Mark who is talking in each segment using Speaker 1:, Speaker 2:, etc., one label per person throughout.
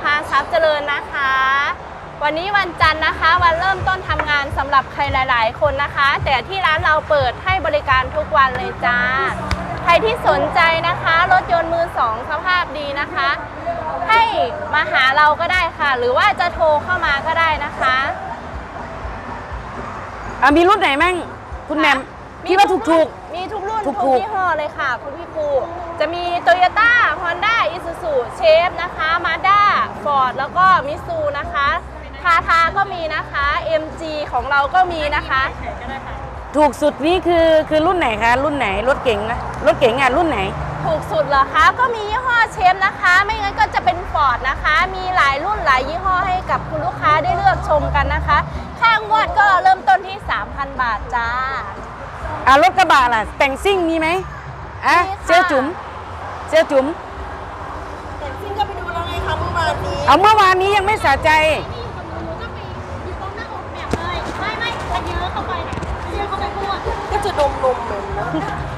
Speaker 1: าทรัพย์เจริญนะคะวันนี้วันจันทร์นะคะวันเริ่มต้นทำงานสำหรับใครหลายๆคนนะคะแต่ที่ร้านเราเปิดให้บริการทุกวันเลยจ้าใครที่สนใจนะคะรถยนต์มือสองสภาพดีนะคะให้มาหาเราก็ได้ค่ะหรือว่าจะโทรเข้ามาก็ได้นะคะ
Speaker 2: มีรุ่นไหนมั่งคุณแหม่มพี่ว่าถูก
Speaker 1: มีทุกรุ่น
Speaker 2: ถู
Speaker 1: ทุ
Speaker 2: ก
Speaker 1: กยี่ห้อเลยค่ะคุณพี่ปูจะมี Toyota Honda Isuzu เชฟนะคะ Mazda Ford แล้วก็ Mitsu นะคะทาทาก็มีนะคะ MG ของเราก็มีนะคะ
Speaker 2: ถูกสุดนี่คือรุ่นไหนคะรุ่นไหนรถเก๋งนะรถเก๋งรุ่นไหน
Speaker 1: ถูกสุดเหรอคะก็มียี่ห้อเชฟนะคะไม่งั้นก็จะเป็น Ford นะคะมีหลายรุ่นหลายยี่ห้อให้กับคุณลูกค้าได้เลือกชมกันนะคะค่างวดก็เริ่มต้นที่ 3,000 บาทจ้าร
Speaker 2: ถกระบะล่ะแต่งซิ่งมีไหมเซลจุ๋ม
Speaker 3: แต่งซิ่งก็ไปดูแล้วไงคะเมื่อวานนี้
Speaker 2: เมื่อวานนี้ยังไม่สะใจ
Speaker 3: ก็จะดมเหมือนนะ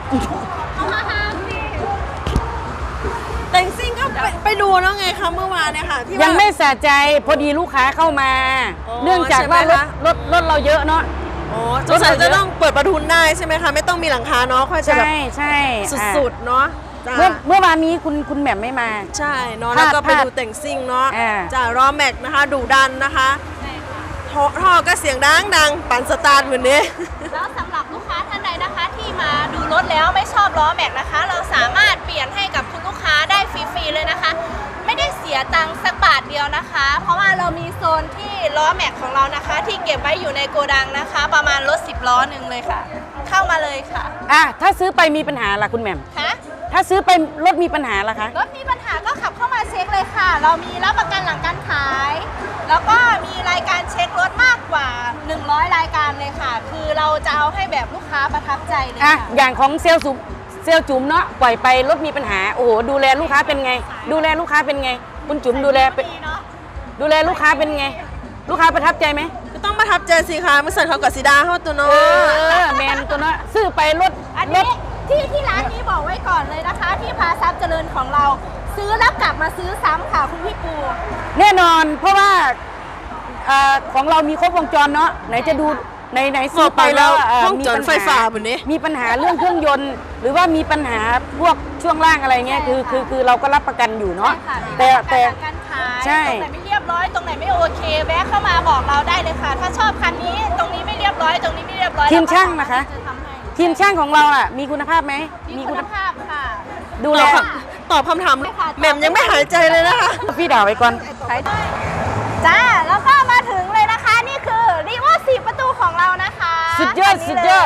Speaker 3: แต่งซิ่งก็ไปดูแล้วไงคะเมื่อวานเนี่ยค่ะที่
Speaker 2: ยังไม่สะใจพอดีลูกค้าเข้ามาเนื่องจากว่ารถเราเยอะเนาะ
Speaker 3: สงสัยจะต้องเปิดประทุนได้ใช่ไหมคะไม่ต้องมีหลังคาเนาะค่อยจะแบบ
Speaker 2: ใช่
Speaker 3: สุดๆเนาะ
Speaker 2: เมื่อวานนี้คุณแหม่มไม่มา
Speaker 3: ใช่เนาะแล้วก็ไปดูแต่งซิ่งเนาะจากล้อแม็กนะคะดุดันนะคะท่อก็เสียงดังปั่นสตาร์ทเหมือนนี้
Speaker 1: แล้วสำหรับลูกค้าท่านใดนะคะที่มาดูรถแล้วไม่ชอบล้อแม็กนะคะเราสามารถเปลี่ยนให้กับคุณลูกค้าได้ฟรีๆเลยนะคะไม่ได้เสียตังค์สักบาทเดียวนะคะเพราะว่าเรามีโซนที่ล้อแม็กของเรานะคะที่เก็บไว้อยู่ในโกดังนะคะประมาณรถ10 ล้อหนึ่งเลยค่ะเข้ามาเลยค่ะ
Speaker 2: ถ้าซื้อไปมีปัญหาล่ะคุณแหม่ม
Speaker 1: คะ
Speaker 2: ถ้าซื้อไปรถมีปัญหาล่ะคะ
Speaker 1: รถมีปัญหาก็ขับเข้ามาเช็คเลยค่ะเรามีรับประกันหลังการขายแล้วก็มีรายการเช็ครถมากกว่า100รายการเลยค่ะคือเราจะเอาให้แบบลูกค้าประทับใจเลยค่ะ
Speaker 2: อย่างของเซลล์จุ๋มเนาะปล่อยไปรถมีปัญหาโอ้โหดูแลลูกค้าเป็นไงดูแลลูกค้าเป็นไงคุณจุ๋มดูแลลูกค้าเป็นไงลูกค้าประทับใจไหม
Speaker 3: ก็ต้องประทับใจสิคะไม่ใส่เขากับสีดาเขาตัวน้
Speaker 2: อยแมนตัวน้อยซื้อไปรถ
Speaker 1: อันนี้ที่ร้านนี้บอกไว้ก่อนเลยนะคะที่พาทรัพย์เจริญของเราซื้อแล้วกลับมาซื้อซ้ำค่ะคุณพี่ปู
Speaker 2: แน่นอนเพราะว่าของเรามีครบวงจรเนาะไหนจะดูไหนซื้อไปแล้ว
Speaker 3: ห้องจอดไฟฟ้าแบบนี้
Speaker 2: มีปัญหาเรื่องเครื่องยนต์หรือว่ามีปัญหาพวกช่วงล่างอะไรเงี้ยคือเราก็รับประกันอยู่เนาะ
Speaker 1: แต่การขายตรงไหนไม่เรียบร้อยตรงไหนไม่โอเคแวะเข้ามาบอกเราได้เลยค่ะถ้าชอบคันนี้ตรงนี้ไม่เรียบร้อยตรงนี้ไม่เรียบร้อย
Speaker 2: ทีมช่างนะคะทีมช่างของเรามีคุณภาพไหม
Speaker 1: มีคุณภาพค่ะ
Speaker 2: ดูแล
Speaker 3: ตอบคำถามแหม่มยังไม่หายใจเลยนะคะ
Speaker 2: พี่ด่าไว้ก่อน
Speaker 1: จ้าแล้วก็มาถึงเลยนะคะนี่คือรีโว4ประตูของเรานะคะ
Speaker 2: สุดยอด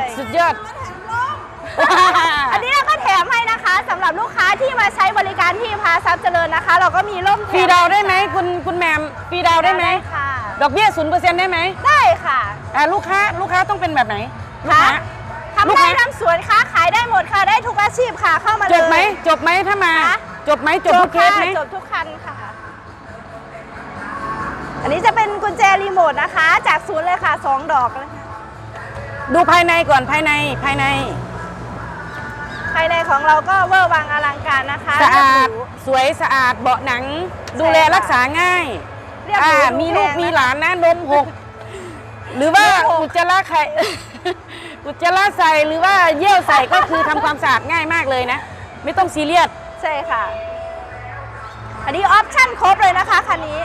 Speaker 1: อันนี้เราก็แถมให้นะคะสำหรับลูกค้าที่มาใช้บริการที่พาทรัพย์เจริญนะคะเราก็มีร่ม
Speaker 2: ฟรีดาวได้ไหมคุณแหม่มฟรีดาวได้ไหม
Speaker 1: ค่ะ
Speaker 2: ดอกเบี้ย 0% ได้ไหม
Speaker 1: ได้ค่ะ
Speaker 2: ลูกค้าต้องเป็นแบบไหน
Speaker 1: ทำได้ทำสวนค้าขายได้หมดค่ะได้ทุกอาชีพค่ะเข้ามาเลย
Speaker 2: จบไหมถ้ามาจบทุกเคสไหม
Speaker 1: จบทุกคันค่ะอันนี้จะเป็นกุญแจรีโมทนะคะจากศูนย์เลยค่ะ2 ดอกเลย
Speaker 2: ดูภายในก่อนภายใน
Speaker 1: ของเราก็เวอร์วังอลังการนะคะ
Speaker 2: สะอาดสวยสะอาดเบาะหนังดูแลรักษาง่ายมีลูกมีหลานนะนมหกหรือว่าอุจจาระใส่หรือว่าเยี่ยวใส่ก็คือทำความสะอาดง่ายมากเลยนะไม่ต้องซีเรียส
Speaker 1: ใช่ค่ะอันนี้ออปชั่นครบเลยนะคะคันนี้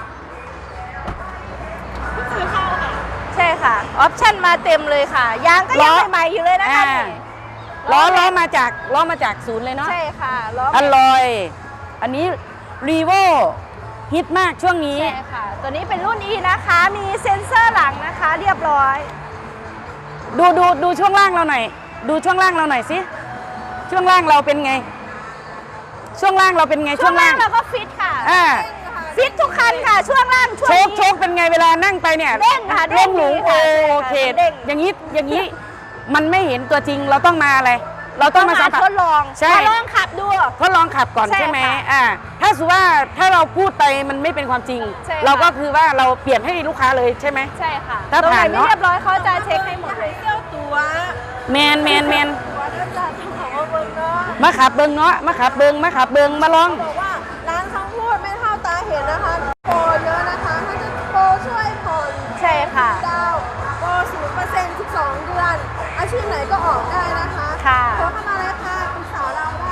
Speaker 1: ใช่ค่ะออปชั่นมาเต็มเลยค่ะยางก็ยังใหม่ๆอยู่เลยนะคะ
Speaker 2: ล้อมาจากศูนย์เลยเนาะ
Speaker 1: ใช่ค่ะล้อ
Speaker 2: อร่อยอันนี้รีโวฮิตมากช่วงนี้
Speaker 1: ใช่ค่ะตัวนี้เป็นรุ่น E นะคะมีเซ็นเซอร์หลังนะคะเรียบร้อย
Speaker 2: ดูช่วงล่างเราหน่อยดูช่วงล่างเราหน่อยสิช่วงล่างเราเป็นไงช่วงล่างเรา
Speaker 1: ก็ฟิตค่ะฟิตทุกคันค่ะช่วงล่าง
Speaker 2: โชคเป็นไงเวลานั่งไปเนี่ย
Speaker 1: เด้งค่ะ
Speaker 2: เด้งหนูโอเคอย่างนี้มันไม่เห็นตัวจริงเราต้องมาอะไรเราต้องมา
Speaker 1: ทดลอง
Speaker 2: ใช่
Speaker 1: ทดลองขับดู
Speaker 2: ทดลองขับก่อนใช่ไหมถ้าสมมติว่าถ้าเราพูดไปมันไม่เป็นความจริงเราก็คือว่าเราเปลี่ยนให้ลูกค้าเลยใช่ไหม
Speaker 1: ใช่ค่ะถ้าผ่านไม่เรียบร้อยเขาจะเช็คให้หมดเลย
Speaker 3: เที่ยวตัว
Speaker 2: แมนมาขับเบิ้งเนาะมาขับเบิ้งมาลอง
Speaker 3: บอกว่าร้านเขาพูดไม่เท่าตาเห็นนะคะโ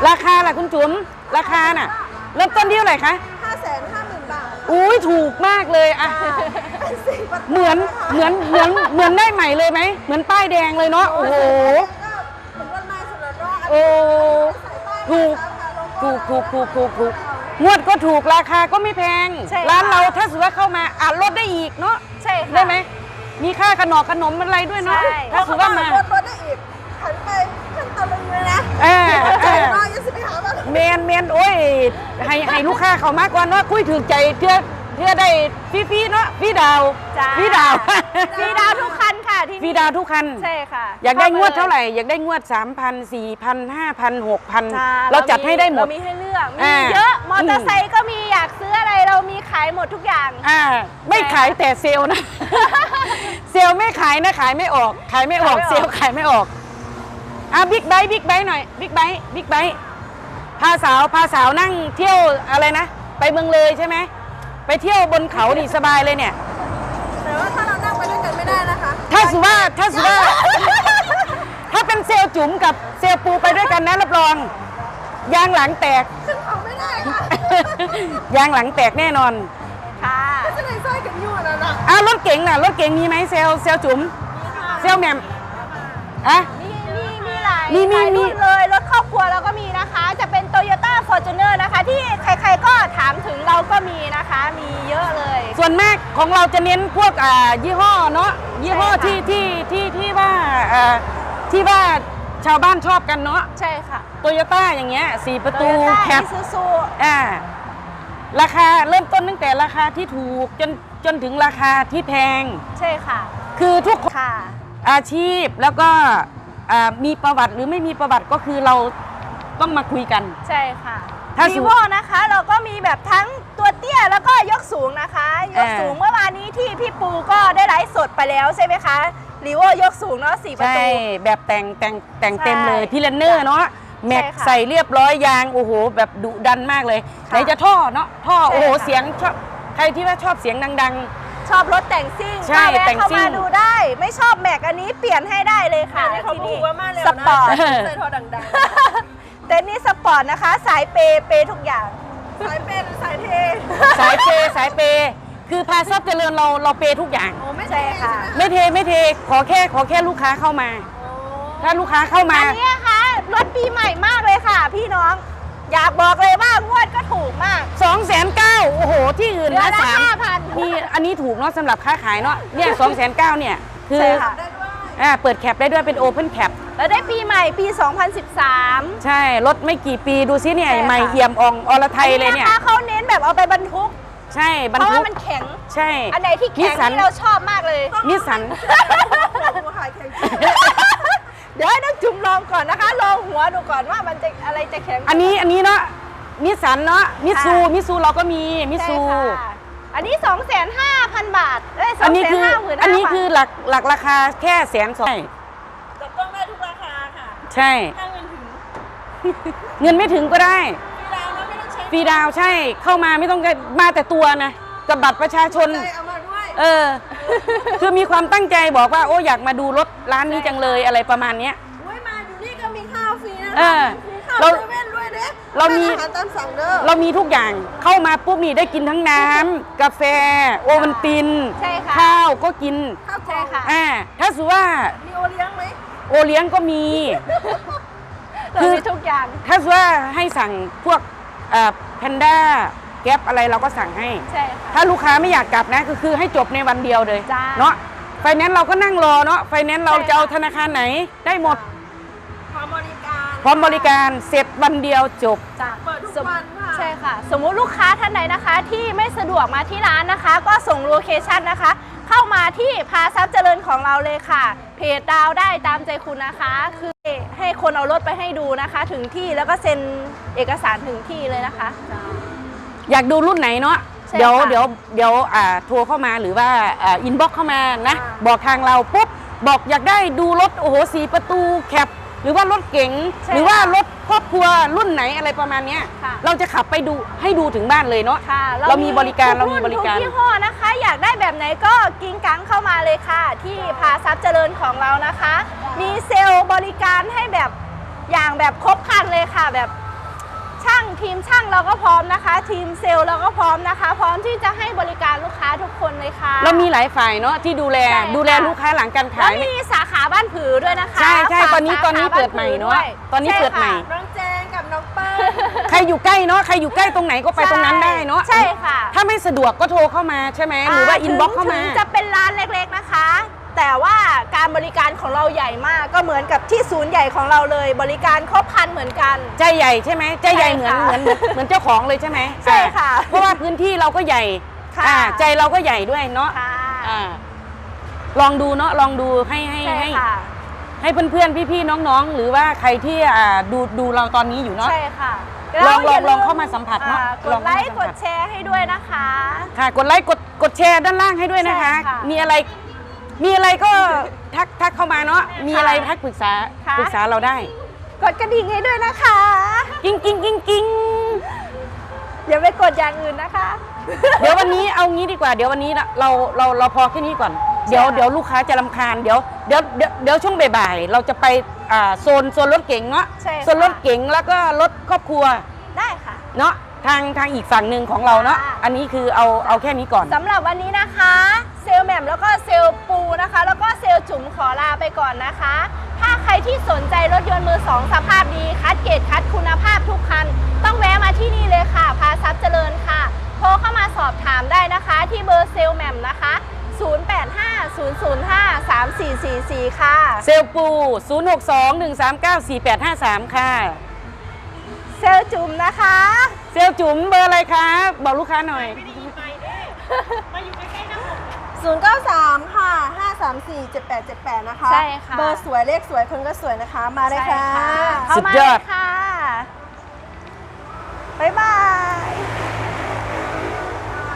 Speaker 2: ราคาล่ะคุณจุ๋มราคาน่ะเริ่มต้นที่เท่าไหร่คะ
Speaker 3: 550,000 บาท
Speaker 2: อุ้ยถูกมากเลยอะเหมือนได้ใหม่เลยไหมเหมือนป้ายแดงเลยเนาะโอ้โห
Speaker 3: เหมือนวันใหม่สุดแล้วเนาะ
Speaker 2: โอ้ถูกงวดก็ถูกราคาก็ไม่แพง
Speaker 1: ใช่ค่ะ
Speaker 2: ร้านเราถ้าสมมติว่าเข้ามาลดได้อีกเนาะ
Speaker 1: ใช่ค่ะ
Speaker 2: ได้ไหมมีค่าขนมอะไรด้วยเนาะ
Speaker 1: ใช่
Speaker 2: ถ้าสมมติว่ามา
Speaker 3: ลดได้อีกหันไปขั้นตอนเลยนะ
Speaker 2: เออ
Speaker 3: น้อยยังสิไปหาบ้าน
Speaker 2: เมนโอ้ยให้ลูกค้าเขามากกว่าเนาะคุยถึงใจเพื่อได้ฟรีๆเนาะฟรีดาว
Speaker 1: จ้า
Speaker 2: ฟรีดาว
Speaker 1: ฟรีดาวทุกคันค่ะที่
Speaker 2: ฟรีดาวทุกคัน
Speaker 1: ใช่ค่ะ
Speaker 2: อยากได้งวด
Speaker 1: ข้
Speaker 2: เท่าไหร่อยากได้งวด 3,000 4,000 5,000 6,000
Speaker 1: จ้า
Speaker 2: เราจัดให้ได้หมด
Speaker 1: เรามีให้เลือกมี
Speaker 2: อ่า
Speaker 1: เยอะมอเตอร์ไซค์ก็มีอยากซื้ออะไรเรามีขายหมดทุกอย่าง
Speaker 2: ไม่ขายแต่เซลล์นะ เซลล์ไม่ขายนะขายไม่ออกขายไม่ออก
Speaker 1: ขายไม่ออก
Speaker 2: เซลล์ขายไม่ออกบิ๊กไบค์หน่อยบิ๊กไบค์พาสาวนั่งเที่ยวอะไรนะไปเมืองเลยใช่ไหมไปเที่ยวบนเขานี่สบายเลยเนี่ย
Speaker 3: แต่ว่าถ้าเรานั่งไปด้วยกันไม่ได้นะคะ
Speaker 2: ถ้าสมมติว่า ถ้าเป็นเซลล์จุ๋มกับเซลล์ปูไปด้วยกันนะรับรองยางหลังแตก
Speaker 3: ขึ้นเขาไม่ได้ค่ะ
Speaker 2: ยางหลังแตกแน่นอน
Speaker 1: ค่ะ
Speaker 3: จะได้สร้อยกันอยู่นั่นน่ะ
Speaker 2: รถเก๋งน่ะรถเก๋งมีไหมเซลล์จุ๋มเซลล์แหม่ม
Speaker 1: มีหลาย
Speaker 2: มี
Speaker 1: หลายรุ่นเลยรถครอบครัวเราก็มีนะคะ จะเป็น Toyota Fortuner นะคะ ที่ใครๆก็ถามถึงเราก็มีนะคะ มีเยอะเลย
Speaker 2: ส่วนมากของเราจะเน้นพวกยี่ห้อเนาะยี่ห้อ
Speaker 1: ใช่ค่ะ
Speaker 2: ที่ว่าชาวบ้านชอบกันเนาะ
Speaker 1: ใช่ค่ะ
Speaker 2: โตโยต้าอย่างเงี้ย4 ประตู
Speaker 1: Toyota
Speaker 2: แคป
Speaker 1: Isuzu
Speaker 2: ราคาเริ่มต้นตั้งแต่ราคาที่ถูกจนถึงราคาที่แพง
Speaker 1: ใช่ค่ะ
Speaker 2: คือทุกคน
Speaker 1: ค่ะ
Speaker 2: อาชีพแล้วก็มีประวัติหรือไม่มีประวัติก็คือเราต้องมาคุยกัน
Speaker 1: ใช่ค่ะ
Speaker 2: ถ้า
Speaker 1: วีโวนะคะเราก็มีแบบทั้งตัวเตี้ยแล้วก็ยกสูงนะคะ ยกสูงเมื่อวานนี้ที่พี่ปูก็ได้ไลฟ์สดไปแล้วใช่ไหมคะรีโวยกสูงเนาะ4 ประ
Speaker 2: ใช่
Speaker 1: ตู
Speaker 2: แบบแต่งเต็มเลย
Speaker 1: ใช่
Speaker 2: พี่เลนเนอร์เนาะแม็ก
Speaker 1: ค่ะ
Speaker 2: ใส่เรียบร้อยยางโอ้โหแบบดุดันมากเลยไหนจะท่อเนาะท่อ
Speaker 1: ใช่
Speaker 2: โอ้โห
Speaker 1: ค่ะ
Speaker 2: เสียงชอบใครที่ว่าชอบเสียงดัง
Speaker 1: ชอบรถแต่งซิ่ง
Speaker 2: ใช่
Speaker 1: ก็แวะ
Speaker 2: แต่ง
Speaker 1: เข้า
Speaker 2: ซิ่
Speaker 1: มาง ดูได้ ไม่ชอบแม็กอันนี้เปลี่ยนให้ได้เลยค่ะ
Speaker 3: เขา
Speaker 1: ที่
Speaker 3: พู
Speaker 1: นี่
Speaker 3: ดว่ามาแล้ว
Speaker 1: ส
Speaker 3: นะ
Speaker 1: ปอร์ต
Speaker 3: ใส่ทอดัง
Speaker 1: เต็นท์นี้สปอร์ตนะคะ สายเปย์ทุกอย่าง
Speaker 3: ๆสายเป็นสายเท
Speaker 2: ๆ สายเปย์คือพาซับเจริญเราเปย์ทุกอย่าง
Speaker 3: โอ้ไม่
Speaker 1: ใช่ค่ะ
Speaker 2: ไม่เทขอแค่ลูกค้าเข้ามา ถ้าลูกค้าเข้ามา
Speaker 1: อันนี้นะคะรถปีใหม่มากเลยค่ะ พี่น้อง อยากบอกเลยว่างวดก็ถูกมาก
Speaker 2: 2,900,000โอ้โหที่อื่น
Speaker 1: เดือ
Speaker 2: นะ
Speaker 1: นละ 5,000
Speaker 2: มีอันนี้ถูกเนาะสำหรับค้าขายเนาะเนี่ย2,900,000เนี่ยคือ
Speaker 1: ใช่ค่ะ
Speaker 3: ได้ด้วย
Speaker 2: เปิดแคปได้ด้วยเป็นโอเพนแคป
Speaker 1: แล้วได้ปีใหม่ปี 2013
Speaker 2: ใช่รถไม่กี่ปีดูซิเนี่ย
Speaker 1: ใช่ค่ะ
Speaker 2: ใหม่เอี่ยมอ่องอรไทยเลยเนี่ย
Speaker 1: อัเขาเน้นแบบเอาไปบรรทุก
Speaker 2: ใช่บรร
Speaker 1: เพราะ
Speaker 2: ทุ
Speaker 1: ว่าก มันแข็ง
Speaker 2: ใช่
Speaker 1: อันไหนที่แข็ง
Speaker 2: สัน
Speaker 1: นี่เราชอบมากเลย
Speaker 2: นิสสัน
Speaker 3: หัวขายแข็ง
Speaker 1: เดี๋ยวให้น้องจุ่มลองก่อนนะคะ ลองหัวดูก่อนว่ามันจะอะไรจะแข็ง
Speaker 2: อันนี้เนาะนิสสันเนาะมิซูเราก็มีมิซู
Speaker 1: ใช่ค่ะอันนี้ 25,000 บาทเอ้ย
Speaker 2: อันนี้คือ
Speaker 1: 255,000
Speaker 2: อันนี้คือหลักราคาแค่120,000
Speaker 3: จับต้องได้ทุกราคาค่ะ
Speaker 2: ใช่
Speaker 3: ถ้าเงินถึง
Speaker 2: เงินไม่ถึงก็ได้
Speaker 3: ฟรีดาวน์แล้วไม่ต้องใช้
Speaker 2: ฟรีดาวน์ใช่เข้ามาไม่ต้องมาแต่ตัวนะกับบัตรประชาชน
Speaker 3: ใจเอามาด้วย
Speaker 2: คือมีความตั้งใจบอกว่าโอ้อยากมาดูรถร้านนี้จังเลยอะไรประมาณเนี้ย
Speaker 3: อุ้ยมาอยู่นี่ก็มีข้าวฟรีนะ
Speaker 2: เออ
Speaker 3: มีข้าว
Speaker 2: เรา
Speaker 3: เซเว่นด้วยเด้
Speaker 2: เรามี
Speaker 3: อาหารตามสั่งเด้อ
Speaker 2: เรามีทุกอย่างเข้ามาปุ๊บนี่ได้กินทั้งน้ำกาแฟโอวัลติน
Speaker 1: ใช่ค่ะ
Speaker 2: ข้าวก็กิน
Speaker 3: ข้าวก
Speaker 1: ใช่
Speaker 3: ล่อง
Speaker 1: ค่ะ
Speaker 2: ถ้าสมมติว่า
Speaker 3: มีโอเลี้ยงไหม
Speaker 2: โอเลี้ยงก็มี
Speaker 1: เรามีทุกอย่าง
Speaker 2: ถ้าสมมติว่าให้สั่งพวกแพนด้าแก๊ปอะไรเราก็สั่งให้
Speaker 1: ใช่ค่ะ
Speaker 2: ถ้าลูกค้าไม่อยากกลับนะก็คือให้จบในวันเดียวเลย
Speaker 1: จ้า
Speaker 2: เนาะไฟแนนซ์เราก็นั่งรอเนาะไฟแนนซ์เรา
Speaker 1: ใช่ค่ะ
Speaker 2: จะเอาธนาคารไหนได้หมด
Speaker 3: พร้อมบริการ
Speaker 2: พร้อมบริการเสร็จวันเดียวจบ
Speaker 1: จ้ะ
Speaker 3: เปิดทุกวันค่ะ
Speaker 1: ใช่ค่ะ สมมุติลูกค้าท่านไหนนะคะ ที่ไม่สะดวกมาที่ร้านนะคะ ก็ส่งโลเคชันนะคะ เข้ามาที่พาทรัพย์เจริญของเราเลยค่ะ เพจดาวได้ตามใจคุณนะคะ คือให้คนเอารถไปให้ดูนะคะ ถึงที่แล้วก็เซ็นเอกสารถึงที่เลยนะคะ
Speaker 2: อยากดูรุ่นไหนเนาะ
Speaker 1: ใช่
Speaker 2: เดี๋ยว
Speaker 1: ค่ะ
Speaker 2: เดี๋ยวเดี๋ยวโทรเข้ามาหรือว่าอินบ็อกเข้ามานะ
Speaker 1: ค่ะ
Speaker 2: บอกทางเราปุ๊บบอกอยากได้ดูรถโอ้โห4 ประตูแคปหรือว่ารถเก๋ง
Speaker 1: ใช่
Speaker 2: หรือว่ารถครอบครัวรุ่นไหนอะไรประมาณเนี้ย
Speaker 1: ค่ะ
Speaker 2: เราจะขับไปดูให้ดูถึงบ้านเลยเนาะ
Speaker 1: ค่ะ
Speaker 2: เรามีบริการ
Speaker 1: ทุ
Speaker 2: เรามีบริการ
Speaker 1: ทุกยี่ห้อนะคะ อยากได้แบบไหนก็กิ้งกังเข้ามาเลยค่ะ ที่พาทรัพย์เจริญของเรานะคะ มีเซลล์บริการให้แบบอย่างแบบครบครันเลยค่ะ แบบทีมช่างเราก็พร้อมนะคะ ทีมเซลล์เราก็พร้อมนะคะ พร้อมที่จะให้บริการลูกค้าทุกคนเลยค่ะ
Speaker 2: เรามีหลายฝ่ายเนาะที่ดูแล
Speaker 1: ใช่ค่ะ
Speaker 2: ดูแลลูกค้าหลังการ
Speaker 1: แล้
Speaker 2: ขา
Speaker 1: วย มีสาขาบ้านผือด้วยนะคะ
Speaker 2: ใช่ใช่
Speaker 1: ฝาก
Speaker 2: ตอนนี้
Speaker 1: สาขา
Speaker 2: เปิดใหม่เนอะ
Speaker 1: บ้ผื
Speaker 2: ตอนนี้เปิดใหม่
Speaker 1: ช่ค่ะ
Speaker 3: น้องแจงกับน้องเปิ้ล
Speaker 2: ใครอยู่ใกล้เนาะใครอยู่ใกล้ตรงไหนก็ไปตรงนั้นได้เนาะ
Speaker 1: ใช่ค่ะ
Speaker 2: ถ้าไม่สะดวกก็โทรเข้ามาใช่ไหมหรือว่าอินบ็อกเข้ามา
Speaker 1: ถึงจะเป็นร้านเล็กๆนะคะ แต่ว่าการบริการของเราใหญ่มากก็เหมือนกับที่ศูนย์ใหญ่ของเราเลย บริการครบครันเหมือนกัน
Speaker 2: ใจใหญ่ใช่ไหมใจใหญ่
Speaker 1: ใช่
Speaker 2: เหมือน
Speaker 1: ค่ะ
Speaker 2: เหมือนเจ้าของเลยใช่ไหม
Speaker 1: ใช่ค่ะ
Speaker 2: เพราะว่าพื้นที่เราก็ใหญ่
Speaker 1: ค่ะ
Speaker 2: ใจเราก็ใหญ่ด้วยเนาะ
Speaker 1: ค่ะ
Speaker 2: ลองดูเนาะลองดูให้
Speaker 1: ใช่ค่ะ
Speaker 2: ให้เพื่อนๆพี่ๆน้องๆ หรือว่าใครที่ดูเราตอนนี้อยู่เนาะ
Speaker 1: ใช่ค่ะ
Speaker 2: ลอง
Speaker 1: แล้วอย่
Speaker 2: ลองเข้ามาสัมผัสเนอะ
Speaker 1: กดไลค์กดแชร์ให้ด้วยนะคะ
Speaker 2: ค่ะกดไลค์กดแชร์ด้านล่างให้ด้วยนะคะ
Speaker 1: ใช่ค่ะ
Speaker 2: มีอะไรก็ทักเข้ามาเนาะมีอะไรทักปรึกษา
Speaker 1: ค่ะ
Speaker 2: ปรึกษาเราได้
Speaker 1: กดกระดิ่งให้ด้วยนะคะ
Speaker 2: กิ้ง
Speaker 1: อย่าไปกดอย่างอื่นนะคะ
Speaker 2: เดี๋ยววันนี้เอางี้ดีกว่าเดี๋ยววันนี้เราพอแค่นี้ก่อนเดี๋ยวลูกค้าจะรำคาญเดี๋ยวช่วงบ่ายๆเราจะไปโซนรถเก๋งเนาะ
Speaker 1: ใช่ค่ะ
Speaker 2: โซนรถเก๋งแล้วก็รถครอบครัว
Speaker 1: ได้ค่ะ
Speaker 2: เนาะทางอีกฝั่งหนึ่งของเราเนาะ
Speaker 1: ค่ะ
Speaker 2: อันนี้คือเอาแค่นี้ก่อน
Speaker 1: สำหรับวันนี้นะคะ เซลลแหม่มแล้วก็เซลลปูนะคะ แล้วก็เซลลจุ๋มขอลาไปก่อนนะคะ ถ้าใครที่สนใจรถยนต์มือสองสภาพดีคัดเกรดคัดคุณภาพทุกคัน ต้องแวะมาที่นี่เลยค่ะ พาซับเจริญค่ะ โทรเข้ามาสอบถามได้นะคะ ที่เบอร์เซลลแหม่มนะคะ 0850053444 ค่ะ
Speaker 2: เซลปู 0621394853 ค่ะ
Speaker 1: เซลลจุ๋มนะคะ
Speaker 2: เซลจุ๋มเบอร์อะไรคะบอกลูกค้าหน่อย
Speaker 3: 093 ค่ะ 534 7878 นะคะ
Speaker 1: ใช่ค่ะ
Speaker 3: เบอร์สวยเลขสวยคนก็สวยนะคะ มาเลย
Speaker 1: ใช่
Speaker 3: ค่ะ
Speaker 1: ค่ะเข้ามาเลยค่ะ